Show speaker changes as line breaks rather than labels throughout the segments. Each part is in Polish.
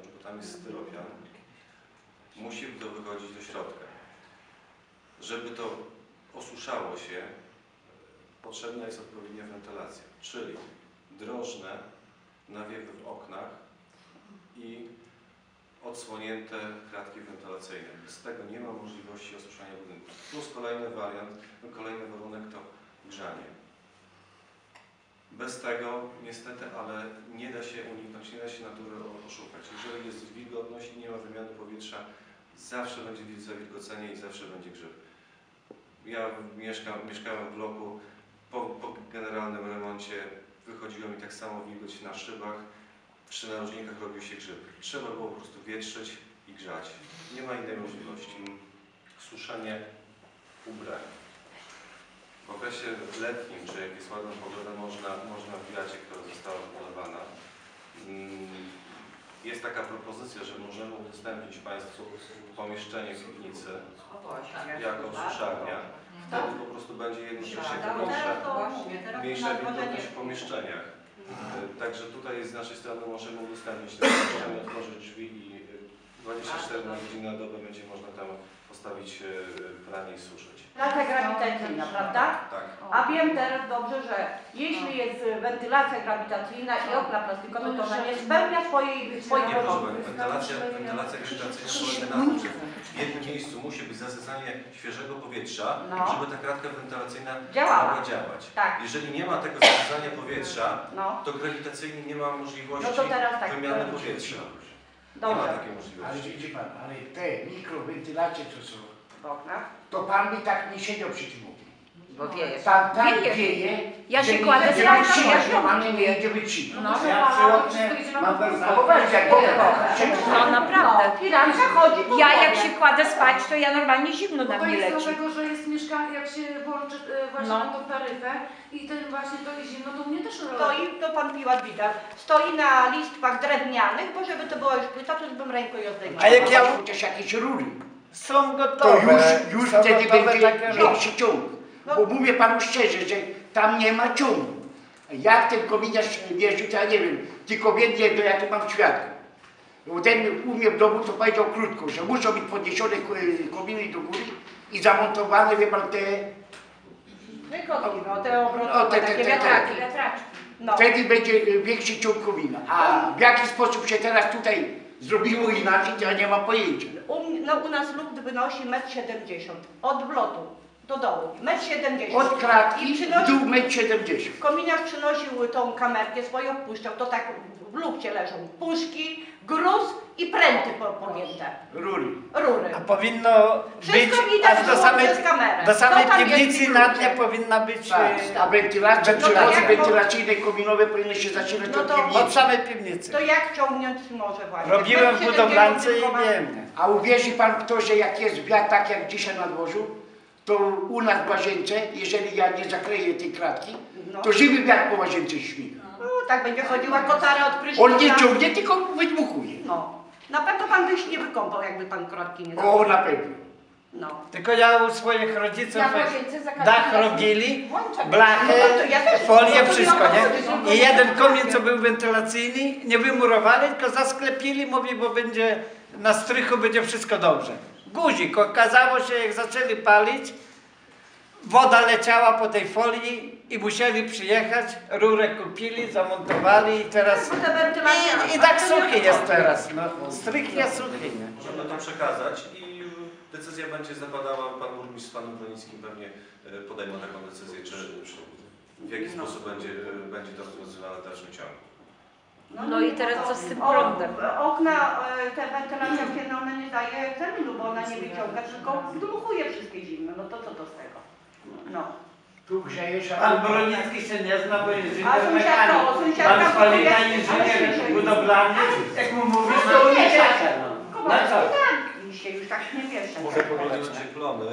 bo tam jest styropian, musi to wychodzić do środka. Żeby to osuszało się, potrzebna jest odpowiednia wentylacja, czyli drożne nawiewy w oknach i odsłonięte kratki wentylacyjne. Bez tego nie ma możliwości osuszania budynku. Plus kolejny wariant, kolejny warunek to grzanie. Bez tego niestety, ale nie da się uniknąć, nie da się natury oszukać. Jeżeli jest wilgotność i nie ma wymiany powietrza, zawsze będzie zawilgocenie i zawsze będzie grzyb. Ja mieszkałem w bloku, po generalnym remoncie wychodziło mi tak samo wilgoć na szybach, przy narożnikach robił się grzyb. Trzeba było po prostu wietrzyć i grzać. Nie ma innej możliwości. Suszenie ubrań. W okresie letnim, czy jak jest ładna pogoda, można w wiacie, która została wypolewana. Jest taka propozycja, że możemy udostępnić Państwu pomieszczenie w piwnicy jako suszarnia. Wtedy po prostu będzie jednocześnie mniejsza wilgotność w pomieszczeniach. Także tutaj z naszej strony możemy udostępnić te pomieszczenie, otworzyć drzwi i 24 na godzinę na dobę będzie można tam postawić pranie i suszyć.
Wentylacja grawitacyjna, prawda?
Tak.
A wiem teraz dobrze, że jeśli jest wentylacja grawitacyjna i okna plastikowe, to ona nie spełnia swojej
Nie, proszę Pani,
wymogów.
wentylacja grawitacyjna polega na tym, że w jednym miejscu musi być zasysanie świeżego powietrza, żeby ta kratka wentylacyjna mogła działać.
Tak.
Jeżeli nie ma tego zasysania powietrza, to grawitacyjnie nie ma możliwości wymiany powietrza. Nie ma takiej możliwości.
Ale widzi Pan, ale te mikrowentylacje, co są
w oknach,
to Pan by tak nie siedział przy tym oknie.
Bo wieje.
Tam wieje,
Ja
że
się
nie
kładę
idzie
spać,
wytrzymać,
ja
normalnie nie idzie wytrzymać.
No,
Ja przy oknie mam zachować, jak
No naprawdę.
firanka chodzi.
Ja jak się kładę spać, to ja normalnie zimno na
To
mnie
jest
leci.
dlatego, że jest mieszkanie, jak się włączy właśnie na tą taryfę i ten właśnie to jest zimno, to mnie też robi.
Stoi, to pan Piłat widać, stoi na listwach drewnianych, bo żeby to była już płyta, to bym ręką ją zdejmowała.
A jak ja chociaż jakieś rury,
Są
to
gotowe.
już
są
wtedy
gotowe
będzie
takie
większy ciąg. Bo mówię Panu szczerze, że tam nie ma ciągu. Jak ten kominiarz jeździł, to ja nie wiem, tylko wiem jedno, ja tu mam świadków. Bo ten u mnie w domu to powiedział krótko, że muszą być podniesione kominy do góry i zamontowane, wie Pan, te...
Wykotki, no te obrotowe, takie wiatraki. No.
Wtedy będzie większy ciąg komina. A w jaki sposób się teraz tutaj zrobiło inaczej, to ja nie mam pojęcia.
U nas lód wynosi 1,70 m od wlotu do dołu. 1,70 m.
Od kratki
I
w dół 1,70 m.
Kominiarz przynosił tą kamerkę swoją, wpuszczał, to tak w lufcie leżą puszki, gruz i pręty pogięte.
Rury.
Rury.
A powinno
Wszystko
być
widać
aż
przez kamerę.
do samej
Co tam jest
piwnicy
w
na
ludzie?
dnie powinna być
Tak, a wentylacja,
No to
przychody
jak-
wentylacyjne kominowe powinny się zaczynać
No
od
to-
od
piwnicy.
samej piwnicy.
To jak ciągnąć może właśnie?
Robiłem w
1,70 m
budowlance i
tylko ma-
wiem.
A uwierzy Pan w to, że jak jest wiatr tak jak dzisiaj na dworzu, to u nas w łazience, jeżeli ja nie zakleję tej kratki,
No.
to żywy wiatr po łazience śmiga.
No, tak będzie chodziła kotara od prysznica.
On nie ciągnie, tylko wydmuchuje.
No. Na pewno pan by się nie wykąpał, jakby pan kratki nie
O,
założył.
na pewno.
No.
Tylko ja u swoich rodziców
Ja w łazience za każdym
dach
razem
robili,
włączam.
blachy,
No to ja też-
folię,
no to
wszystko,
ja
nie?
mam-
I jeden komin, co był wentylacyjny, nie wymurowali, tylko zasklepili, mówi, bo będzie na strychu będzie wszystko dobrze. Guzik, okazało się, jak zaczęli palić, woda leciała po tej folii i musieli przyjechać, rurę kupili, zamontowali i teraz...
Bo te wentylacje-
I tak suchy jest teraz, no. Strych jest suchy, nie?
Możemy to przekazać i decyzja będzie zapadała, Pan Burmistrz z Panem Bronickim pewnie podejmą taką decyzję, czy w jaki sposób będzie to rozwiązywane w dalszym ciągu.
No i teraz co z tym prądem?
Okna, te wentylacja okienna, ona nie daje egzaminu, bo ona nie wyciąga, tylko dmuchuje wszystkie zimno. No to co to z tego? No.
Tu grzejesz, a
Pan Bronicki się nie zna, bo jest
A
inżynier
sąsiadka,
mechanik.
sąsiadka
Pan Spalina
powie-
inżynier
ale-
budowlany. Jak mu mówisz,
Ale
to
nie,
nie
tak.
cieszę, no. Na
Kowalski,
co?
tak, i się już tak nie wiesz.
Muszę powiedzieć, że plony...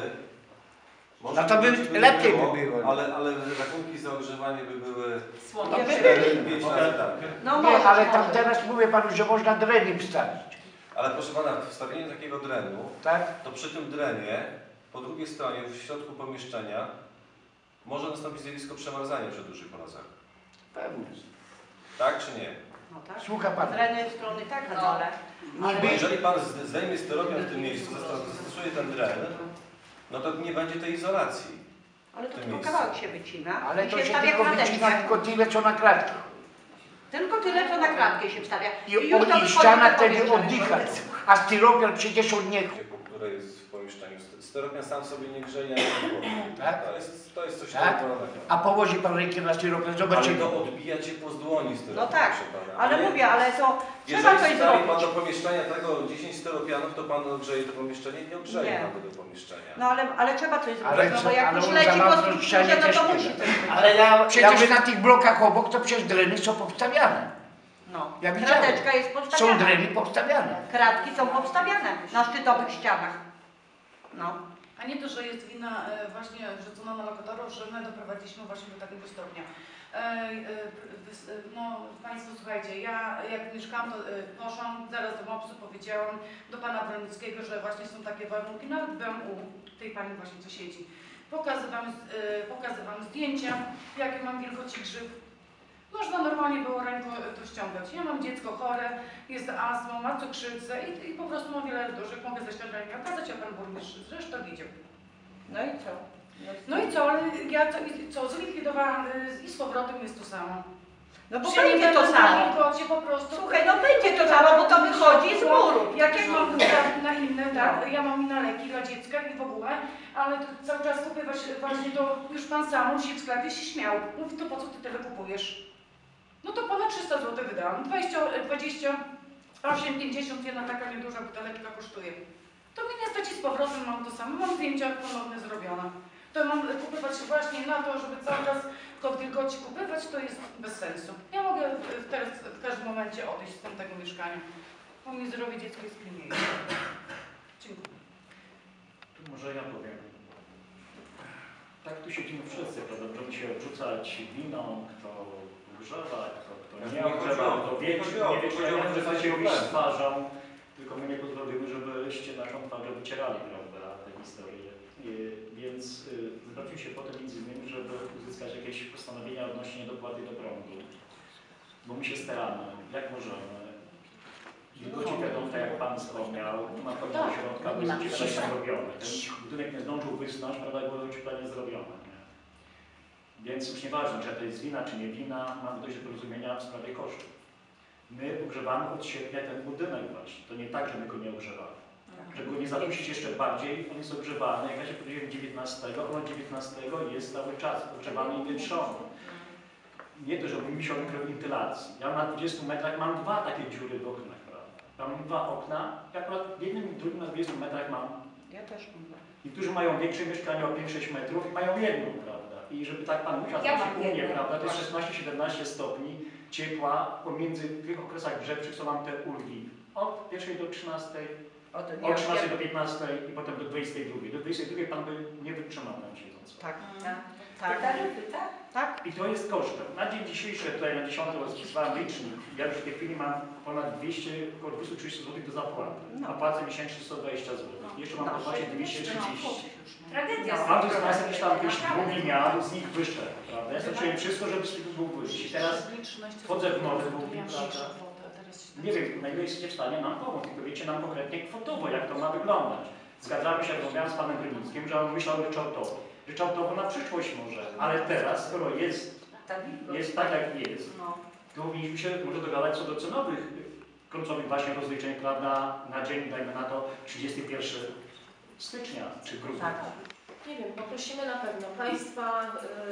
No to by lepiej by było.
Ale rachunki za ogrzewanie by były
No, by-
5 razy tak.
No
nie,
może,
ale tam
może.
teraz mówię Panu, że można drenem wstawić.
Ale proszę Pana, wstawienie takiego drenu,
Tak?
to przy tym drenie, po drugiej stronie, w środku pomieszczenia, może nastąpić zjawisko przemarzania przy dużych mrozach.
Pewnie.
Tak czy nie?
No tak.
Słucha pan.
Z jednej strony tak na dole.
Niby,
Jeżeli pan zdejmie styropian w tym miejscu, zastosuje ten dren, no to nie będzie tej izolacji.
Ale to
w tym
tylko
miejscu.
kawałek się wycina.
ale
i
to się
wstawia
tylko
krateczkę.
wycina tylko tyle, co na kratkę.
Tylko tyle, co na kratkę się wstawia.
I
już to
i
wychodzi
ściana
do
wtedy
powietrza.
oddycha. A styropian przecież od niego.
Które jest w pomieszczeniu. Styropian sam sobie nie grzeje, ani nie
Tak?
To jest coś
Tak?
naturalnego.
A położy pan rękę na styropian,
Ale
zobaczymy.
to odbija ciepło z dłoni styropian.
No tak,
proszę pana.
ale mówię, ale to trzeba
Jeżeli
coś
wstawi pan
zrobić.
do pomieszczenia tego 10 styropianów, to pan ogrzeje to pomieszczenie? Nie ogrzeje
Nie.
pan tego pomieszczenia.
No ale trzeba coś
Ale
zrobić, no bo
co-
jak
ale
już
on
leci
za
po
mocno ścianie
strukturze, no
też
to
nie
musi
da.
coś być.
Ale ja
Przecież na tych blokach obok to przecież dreny są powstawiane.
No,
Ja widziałem.
krateczka jest
Są
postawiana.
dreny powstawiane.
Kratki są powstawiane na szczytowych ścianach. No.
A nie to, że jest wina właśnie rzucona na lokatorów, że my doprowadziliśmy właśnie do takiego stopnia. No Państwo słuchajcie, ja jak mieszkałam, to poszłam zaraz do MOPS-u, powiedziałam do Pana Bronickiego, że właśnie są takie warunki, nawet byłam u tej Pani właśnie, co siedzi. Pokazywałam zdjęcia, jakie mam wielkości grzyb. Można normalnie było ręką to ściągać. Ja mam dziecko chore, jest astmą, ma cukrzycę i po prostu ma wiele duszek, mogę ześlać rękę, okazać, a Pan burmistrz zresztą widział.
No i co?
No i co, ale ja co zlikwidowałam i z powrotem jest to samo.
No bo
Przyjmę
będzie to
na
samo.
wilgocie po prostu.
Słuchaj, no będzie to samo, bo to wychodzi z muru.
Jak ja mam na inne, tak, ja mam i na leki dla dziecka i w ogóle, ale to cały czas kupywać właśnie to, już Pan sam musi w sklepie się śmiał. Mówi, to po co Ty tyle kupujesz? No to ponad 300 zł wydałam, 28,50 jedna taka nieduża buteleczka kosztuje. To mi niestety z powrotem mam to samo, mam zdjęcia ponownie zrobione. To mam kupywać właśnie na to, żeby cały czas kod wilgoci kupywać, to jest bez sensu. Ja mogę teraz w każdym momencie odejść z tego mieszkania, bo mi zdrowie dziecka jest pilniejsze. Dziękuję.
Tu może ja powiem. Tak tu siedzimy wszyscy, prawda? Możemy się odrzucać winą, kto ugrzewa, kto nie ugrzewa, kto wie, czy nie wie, czy ja się robić z twarzą, tylko my nie pozwolimy, żebyście naszą twarzę wycierali, prawda, te historie. Więc zwrócił się potem między innymi, żeby uzyskać jakieś postanowienia odnośnie dopłaty do prądu. Bo my się staramy, jak możemy. Wilgoci wiadomo, tak jak Pan wspomniał, tu na pewno środka były ocieplenie zrobione. Ten budynek nie zdążył wysnąć, prawda, było ocieplenie zrobione. Nie? Więc już nieważne, czy to jest wina, czy nie wina, mamy dojść do porozumienia w sprawie kosztów. My ogrzewamy od sierpnia ten budynek właśnie. To nie tak, że my go nie ogrzewamy. Żeby go nie zadusić jeszcze bardziej, on jest ogrzewany, jak ja się powiedziałem 19, on 19 jest cały czas ogrzewany i piętrzony. Nie to, że mówi się o mikrowentylacji. Ja na 20 metrach mam 2 takie dziury w oknach, prawda? Mam 2 okna, ja akurat w jednym i drugim na 20 metrach mam.
Ja też mam.
Niektórzy mają większe mieszkania o 5-6 metrów i mają jedną, prawda? I żeby tak Pan musiał,
Ja
to
mam
się umie,
jedną.
prawda? To jest 16-17 stopni ciepła pomiędzy w tych okresach grzewczych, co mam te ulgi. Od 1 do 13, od 13 do 15 i potem do 22. Do 22 Pan by nie wytrzymał tam siedząc.
Tak.
Tak.
Tak.
I to jest kosztem. Na dzień dzisiejszy, tutaj na 10 rozpisywałem licznik. Ja już w tej chwili mam ponad 200, około 230 zł do zapłaty.
No.
A płacę miesięcznie 120 zł. Jeszcze mam zapłacić 230.
Tragedia.
Mam tu z nas jakieś tam jakieś długi miał, z nich wyszedł, prawda? Ja zrobiłem wszystko, żeby z tych długów wyjść. I teraz wchodzę w nowe długi, prawda? Nie wiem, na ile jesteście w stanie nam pomóc, tylko wiecie nam konkretnie kwotowo, jak to ma wyglądać. Zgadzamy się, rozmawiałem z Panem Grynickim, że on myślał ryczałtowo. Ryczałtowo na przyszłość może, ale teraz, skoro jest tak jak jest, to powinniśmy się może dogadać co do cenowych, końcowych właśnie rozliczeń, prawda, na dzień, dajmy na to 31 stycznia czy grudnia.
Tak.
Nie wiem, poprosimy na pewno Państwa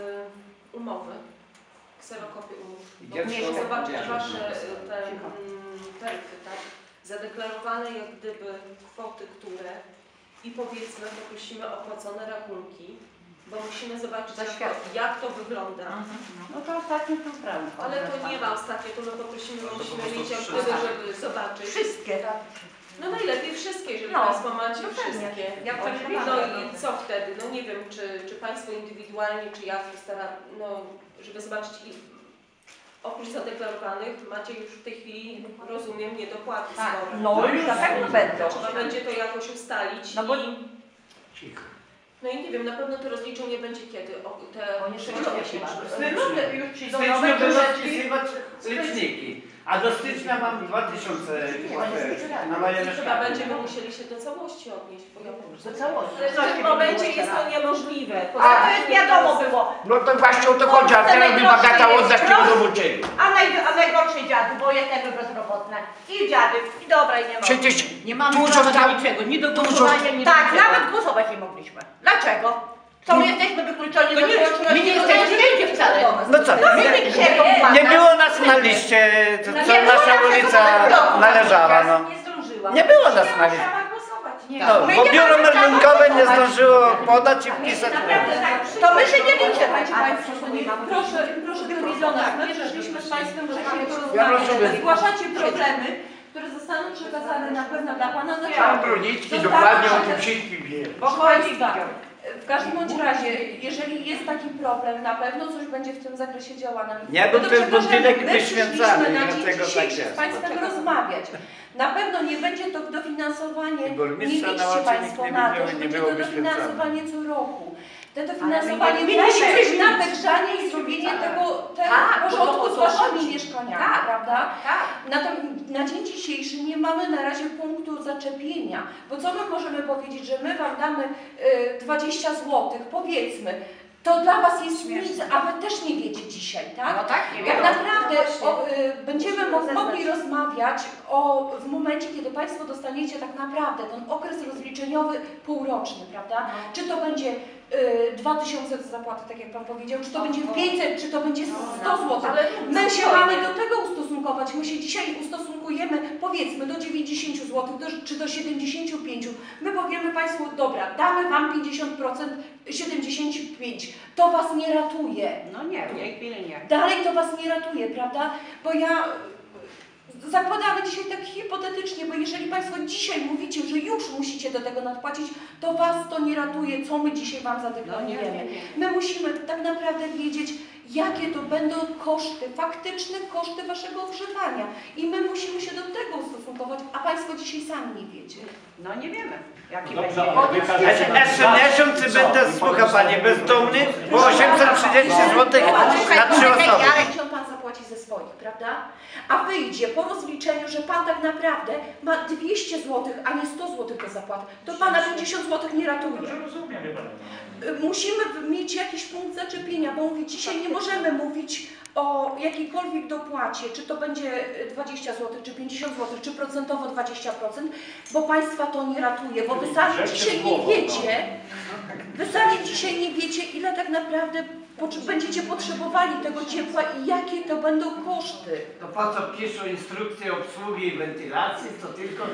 umowy, kserokopie umów. Bo muszę zobaczyć Wasze taryfy, tak? Zadeklarowane jak gdyby kwoty, które i powiedzmy poprosimy o opłacone rachunki, bo musimy zobaczyć jak to wygląda.
No to ostatnio tu prawo.
Ale to nie ma ostatnio, to my poprosimy, bo musimy mieć jak gdyby, żeby zobaczyć.
Wszystkie.
No najlepiej wszystkie, jeżeli
No,
Państwo macie
no pewnie.
wszystkie.
Ja to nie mam.
No i co wtedy? No nie wiem, czy Państwo indywidualnie, czy ja staram, no żeby zobaczyć oprócz zadeklarowanych macie już w tej chwili, rozumiem, niedopłaty
Tak.
spore.
No już na pewno będą.
Trzeba będzie to jakoś ustalić
No bo-
no i nie wiem, na pewno to rozliczenie będzie kiedy? Te
Oni
sześciomiesięczne.
Luty już przyjdą
Styczniu
nowe
będą
książeczki.
wpisywać liczniki. A do stycznia mam 2000 na moje
Chyba
mieszkanie.
będziemy musieli się do całości odnieść, bo ja po prostu...
Do całości.
W tym momencie jest to niemożliwe.
A to jest wiadomo było.
No to właśnie o to chodzi, a teraz mi bagata oddać tego do uczeni.
A najgorszy dziady, bo jesteśmy bezrobotne. I dziady, i dobra, i nie ma.
Przecież
nie mamy
dużo
prawa
tam-
do niczego, nie do
dużo-
głosowania, nie tak, nawet głosować nie mogliśmy. Dlaczego? To my jesteśmy wykluczeni do tego, my nie jesteśmy wcale.
No co? Nie było nas na liście, co nasza ulica należała. No.
Nie zdążyła.
Nie było nas na liście.
Chciała głosować. Nie.
No, bo biuro meldunkowe nie zdążyło podać i wpisać.
To my się nie liczymy.
Słuchajcie Państwo, proszę telewizjonach, my żeśmy z Państwem wcześniej
Ja
porozmawiać.
rozumiem.
Zgłaszacie problemy, które zostaną przekazane na pewno dla Pana
Pan
naczelnika.
Broniecki dokładnie o tym wszystkim wie.
Proszę Państwa, w każdym bądź razie, jeżeli jest taki problem, na pewno coś będzie w tym zakresie działane.
Nie był ten budynek
my
wyświęcany,
przyszliśmy na dzień
dlatego tak
dzisiejszy
jest.
z Państwem rozmawiać. Na pewno nie będzie to dofinansowanie,
I
nie
burmistrza
liczcie
na oczy
Państwo
nikt
na
nie
to,
widział
że
i nie
będzie
było
to
wyświęcane.
dofinansowanie co roku. To dofinansowanie
Ale my
musi
nie
być
wiemy.
na wygrzanie i zrobienie tego
Tak,
porządku
bo
z
to
Waszymi
chodzi.
mieszkaniami,
Tak,
prawda?
tak.
Na dzień dzisiejszy nie mamy na razie punktu zaczepienia, bo co my możemy powiedzieć, że my Wam damy 20 zł, powiedzmy, to dla Was jest nic, a Wy też nie wiecie dzisiaj, tak?
No tak, nie
Tak
wiem.
naprawdę będziemy mogli rozmawiać w momencie, kiedy Państwo dostaniecie tak naprawdę ten okres rozliczeniowy półroczny, prawda? Czy to będzie 2000 zapłaty, tak jak Pan powiedział, czy to będzie 500, czy to będzie 100 zł. My się mamy do tego ustosunkować. My się dzisiaj ustosunkujemy, powiedzmy, do 90 zł, czy do 75. My powiemy Państwu, dobra, damy Wam 50%, 75. To Was nie ratuje.
No nie, w tej chwili nie.
Dalej to Was nie ratuje, prawda? Bo ja zakładamy dzisiaj tak hipotetycznie, bo jeżeli Państwo dzisiaj mówicie, że już musicie do tego nadpłacić, to Was to nie ratuje, co my dzisiaj Wam zadeklarujemy. My musimy tak naprawdę wiedzieć, jakie to będą koszty, faktyczne koszty Waszego ogrzewania. I my musimy się do tego ustosunkować, a Państwo dzisiaj sami nie wiecie.
No nie wiemy, jaki
Dobrze,
będzie.
ale wykażecie
Jeszcze miesiąc i będę, słucha Pani, bezdomny, bo 830 zł na 3 osoby.
Ale Pan zapłaci ze swoich, prawda? A wyjdzie po rozliczeniu, że Pan tak naprawdę ma 200 zł, a nie 100 zł do zapłaty. To Pana 50 zł nie ratuje.
Dobrze rozumiem, wie Pani.
Musimy mieć jakiś punkt zaczepienia, bo mówię, dzisiaj nie możemy mówić o jakiejkolwiek dopłacie, czy to będzie 20 zł, czy 50 zł, czy procentowo 20%, bo Państwa to nie ratuje, bo Wy sami dzisiaj nie wiecie, ile tak naprawdę będziecie potrzebowali tego ciepła i jakie to będą koszty.
To po co piszą instrukcje obsługi i wentylacji, to tylko...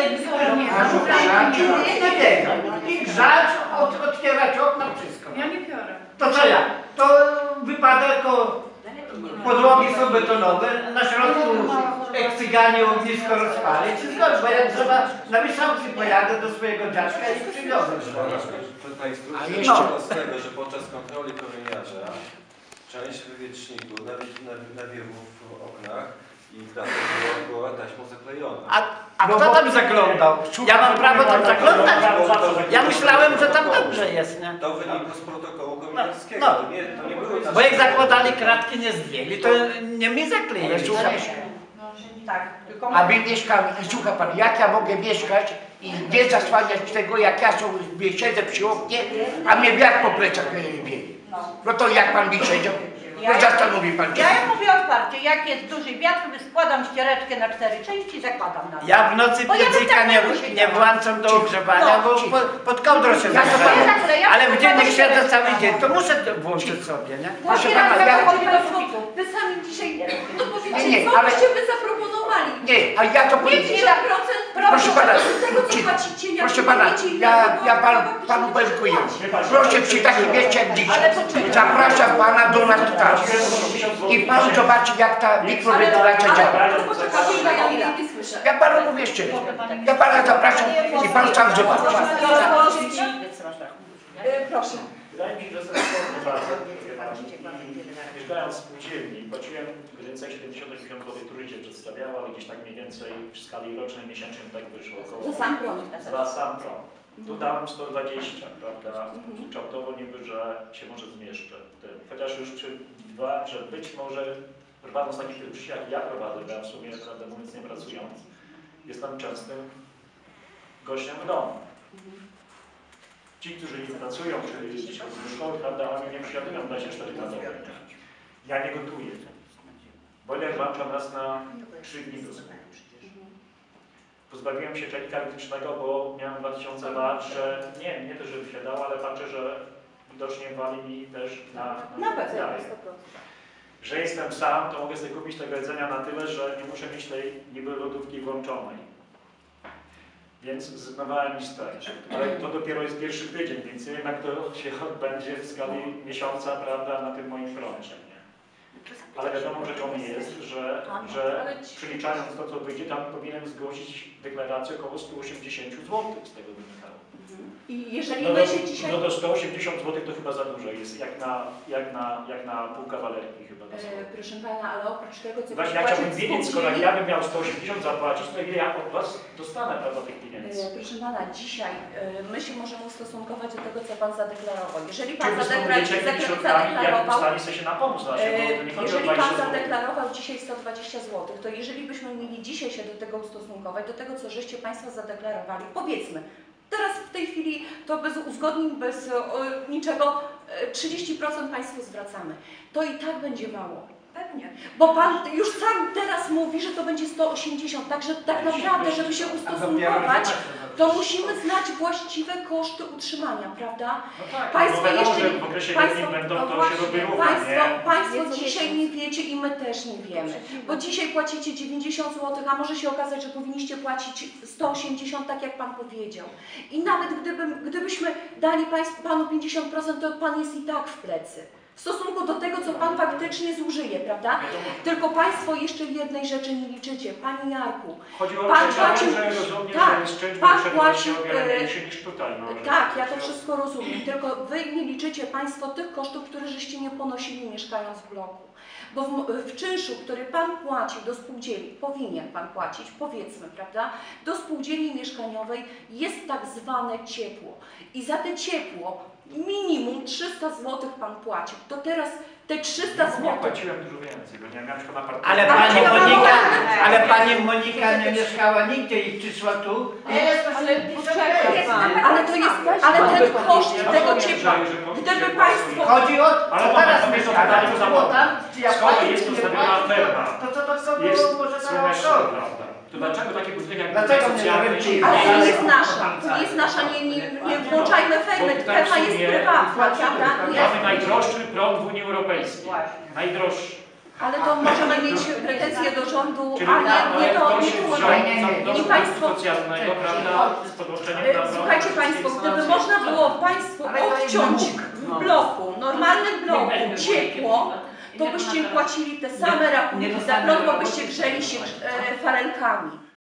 I grzać, otwierać okna, wszystko.
Ja nie biorę.
To co ja? To wypadek podłogi są betonowe, na środku eksyganie ognisko rozpalić. Bo jak trzeba na miesiącu pojadę do swojego dziadka i przywiozę.
Ta instrukcja
A
wynika z tego, że podczas kontroli promieniarza część wywieczników, nawiewów w oknach i dachów była taśmą zaklejona.
A kto tam zaglądał? Ja mam prawo tam zaglądać? Ja myślałem, że tam dobrze jest, nie?
To wynika z protokołu komentarskiego.
No.
To nie były
Bo jak zakładali kratki, nie zdjęli, to nie mi zakleili.
Ale słuchaj,
Tak, tylko
a my mieszkamy, słucha Pan, jak ja mogę mieszkać i nie zasłaniać tego, jak ja sobie siedzę przy oknie, a mnie wiatr po plecach wieje. No to jak Pan mi siedział? No zastanowi Pan się.
ja mówię otwarcie, jak jest duży wiatr, składam ściereczkę na 4 części i zakładam na to.
Ja w nocy
Bo ja bym
piecyka
tak
nie,
nie musiała.
nie włączam do ogrzewania,
No,
bo pod kołdrą się
Ja to
zagrzeję.
zaklejam,
Ale w dzień jak
to
siedzę cały dzień, to muszę to włączyć sobie, nie?
Proszę
Właśnie
pana,
raz
ja-
zachodzi Państwo, Wy sami dzisiaj, no powiedzcie,
Nie,
co
ale-
byście Wy zaproponowali?
Nie, a ja to powiem.
50%
Proszę pana,
z tego co płacicie, jak
proszę pana,
wiecie, ile
ja
to
panu dziękuję.
Wie
Proszę przy takim mieście jak dzisiaj. Zapraszam Pana do nas tutaj. I Pan zobaczy, jak ta mikrowentylacja działa.
Poczekajcie, ja nie słyszę.
Ja Panu mówię szczerze. Ja Pana zapraszam i Pan sam zobaczy.
Proszę.
Wydaje mi się, że sensownie bardzo. Mieszkając w spółdzielni, płaciłem mniej więcej 70-80 zł trójcie przedstawiała, ale gdzieś tak mniej więcej w skali rocznej, miesięcznej tak wyszło około.
Za sam prąd.
Za sam prąd. Tu dałem 120, prawda? Kształtowo niby, że się może zmieszczę w tym. Chociaż już przewidywałem, że być może prowadząc taki tryb życia, jak ja prowadzę, bo ja w sumie, prawdę mówiąc, nie pracując, jestem częstym gościem w domu. Ci, którzy nie pracują, czy gdzieś chodzą do szkoły, prawda, oni nie przyjadują 24 na dobę. Ja nie gotuję. Boiler włącza nas na 3 dni do sklepu. Pozbawiłem się czajnika elektrycznego, bo miałem 2000 lat, że nie to, żeby się dało, ale patrzę, że widocznie wali mi też
Na pewno,
jaja.
100%.
Że jestem sam, to mogę sobie kupić tego jedzenia na tyle, że nie muszę mieć tej niby lodówki włączonej. Więc zrezygnowałem i stać. Ale to dopiero jest pierwszy tydzień, więc nie wiem, jak to się odbędzie w skali miesiąca, prawda, na tym moim froncie. Nie? Ale wiadomą rzeczą jest, że przeliczając to, co wyjdzie, tam powinienem zgłosić deklarację około 180 zł z tego wynikało.
I jeżeli
No
my się dzisiaj...
no do 180 zł to chyba za dużo jest, jak na pół kawalerki chyba.
Proszę Pana, ale oprócz tego, co
Właśnie ja chciałbym wiedzieć, skoro ja bym miał 180 zapłacić, to ile ja od Was dostanę, prawda, tych pieniędzy.
Proszę Pana, dzisiaj my się możemy ustosunkować do tego, co Pan zadeklarował. Jeżeli
Czy
Pan
Wy stosujecie jakimiś środkami, jak ustali sobie się na pomoc naszego, bo to nie chodzi o
jeżeli
20
Pan
zł.
zadeklarował dzisiaj 120 zł, to jeżeli byśmy mieli dzisiaj się do tego ustosunkować, do tego, co żeście Państwo zadeklarowali, powiedzmy, teraz w tej chwili to bez uzgodnień, bez niczego, 30% Państwu zwracamy. To i tak będzie mało.
Pewnie.
Bo Pan już sam teraz mówi, że to będzie 180, także tak naprawdę, żeby się ustosunkować, to musimy znać właściwe koszty utrzymania, prawda?
No tak,
Państwo
no wiadomo,
jeszcze-
że w okresie
Państwo-
letnim będą,
no
to
właśnie,
się robi równo, nie?
Państwo dzisiaj nie wiecie i my też nie wiemy. Bo dzisiaj płacicie 90 zł, a może się okazać, że powinniście płacić 180, tak jak Pan powiedział. I nawet gdybyśmy dali Panu 50%, to Pan jest i tak w plecy. W stosunku do tego, co Pan faktycznie zużyje, prawda? Tylko Państwo jeszcze jednej rzeczy nie liczycie. Panie Jarku,
Chodzi o
Pan
to,
płacił-
że rozumiem,
tak,
że jest część
Pan
przebywać
płacił,
się o wiele mniejszy niż tutaj. No, że-
tak, ja to wszystko rozumiem, tylko Wy nie liczycie Państwo tych kosztów, które żeście nie ponosili mieszkając w bloku. Bo w czynszu, który Pan płacił do spółdzielni, powinien Pan płacić, powiedzmy, prawda, do spółdzielni mieszkaniowej jest tak zwane ciepło. I za te ciepło minimum 300 zł Pan płacił. To teraz te 300
Ja
zł...
płaciłem dużo więcej, bo nie miałem tylko na partii.
Ale pani Monika nie mieszkała nigdzie i przyszła tu.
Ale to jest, ale ten koszt tego ciepła, gdyby Państwo...
Chodzi o
Ale
co
moment,
teraz
to jest
mieszkała,
pytanie,
to
co
było
za-
tam, czy ja
Skoro
płacić,
jest
czy nie
ustawiona
płacić,
ferma,
to
jest
może na
słoneczna,
rok.
prawda? To dlaczego takie budynek jak
Dlaczego
budynek
nie
socjalny
wiem, czy-
Ale to
Ale-
jest nasza, to jest nasza, nie włączajmy fermy,
Bo tak
ferma
w
jest
sumie
prywatna, prawda?
mamy najdroższy prąd w Unii Europejskiej. Najdroższy.
Ale to możemy mieć pretensje do rządu,
Czyli
ale nie to,
ktoś
nie
wziął
to.
do
I Państwo,
socjalnego, prawda, z podłączeniem na prąd.
słuchajcie Państwo, gdyby można było Państwu odciąć w bloku, normalnym bloku, ciepło, to byście płacili te same rachunki za prąd, bo byście grzeli się farenkami.